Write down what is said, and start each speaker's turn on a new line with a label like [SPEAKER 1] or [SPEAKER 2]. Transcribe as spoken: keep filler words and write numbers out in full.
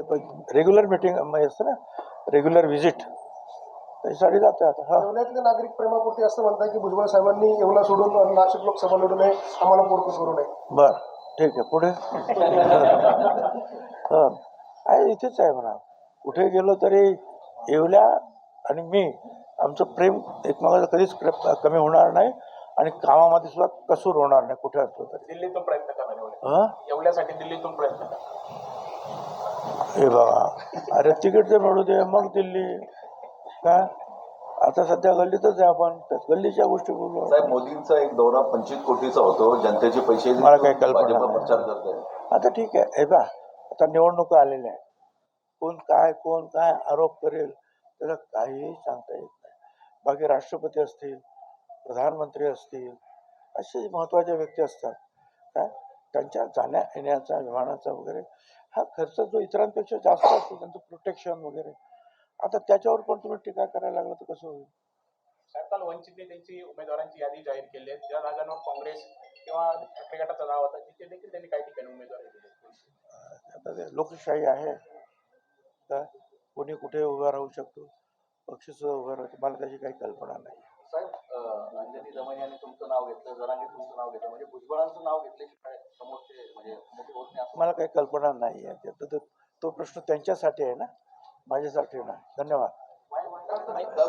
[SPEAKER 1] Regular meeting असतं ना, regular visit त्याच्यासाठी जातोय आता. हा,
[SPEAKER 2] येवल्यातले नागरिक प्रेमापोटी असं म्हणतात की भुजबळ साहेबांनी येवला सोडून नाशिक लोकसभा लढू नये, आम्हाला पोरकं करू नये.
[SPEAKER 1] बर ठीक आहे. पुढे हा, आहे इथेच आहे म्हणा. कुठे गेलो तरी येवल्या आणि मी आमचं प्रेम एकमेकाचं कधीच प्रेम कमी होणार नाही आणि कामामध्ये सुद्धा कसूर होणार नाही कुठे असलो तरी.
[SPEAKER 3] दिल्लीतून प्रयत्न करणार
[SPEAKER 1] हा,
[SPEAKER 3] एवढ्यासाठी दिल्लीतून प्रयत्न करा.
[SPEAKER 1] हे बघा, अरे तिकीट तर मिळू दे मग दिल्ली. काय आता सध्या गल्लीतच आहे आपण, गल्लीच्या गोष्टी बोलू.
[SPEAKER 4] साहेब, मोदींचा एक दौरा पंचवीस कोटीचा होतो, जनतेचे पैसे
[SPEAKER 1] मला काही कल्पना
[SPEAKER 4] भाजप
[SPEAKER 1] नाही.
[SPEAKER 4] प्रचार करत आहे.
[SPEAKER 1] आता ठीक आहे. हे बा, आता निवडणुका आलेल्या आहे. कोण काय कोण काय आरोप करेल त्याला काहीही सांगता येत नाही. बाकी राष्ट्रपती असतील, प्रधानमंत्री असतील, असे महत्त्वाच्या व्यक्ती असतात काय, त्यांच्या जाण्या येण्याचा विमानाचा वगैरे हा खर्च जो इतरांपेक्षा जास्त असतो, त्यांचं प्रोटेक्शन वगैरे. आता त्याच्यावर पण तुम्ही टीका करायला लागला तर कसं होईल.
[SPEAKER 3] साहेब, काल वंचितने त्यांची उमेदवारांची यादी जाहीर केली आहे. ज्या जागांवर काँग्रेस किंवा ठाकरे गटाचं नाव होतं तिथे देखील त्यांनी काही ठिकाणी उमेदवारी दिली.
[SPEAKER 1] आता ते लोकशाही आहे का, कोणी कुठे उभा राहू शकतो, पक्ष सुद्धा उभा राहतो. मला त्याची काही कल्पना नाही.
[SPEAKER 4] साहेब, अं, अंजनी दमन यांनी तुमचं नाव घेतलं, जरांगे तुमचं नाव घेतलं, म्हणजे भुजबळांचं नाव घेतल्याशिवाय समोरचे म्हणजे मोठे होत नाही असं
[SPEAKER 1] मला काही कल्पना नाही आहे. तो तो प्रश्न त्यांच्यासाठी आहे ना, माझ्यासाठी नाही. धन्यवाद.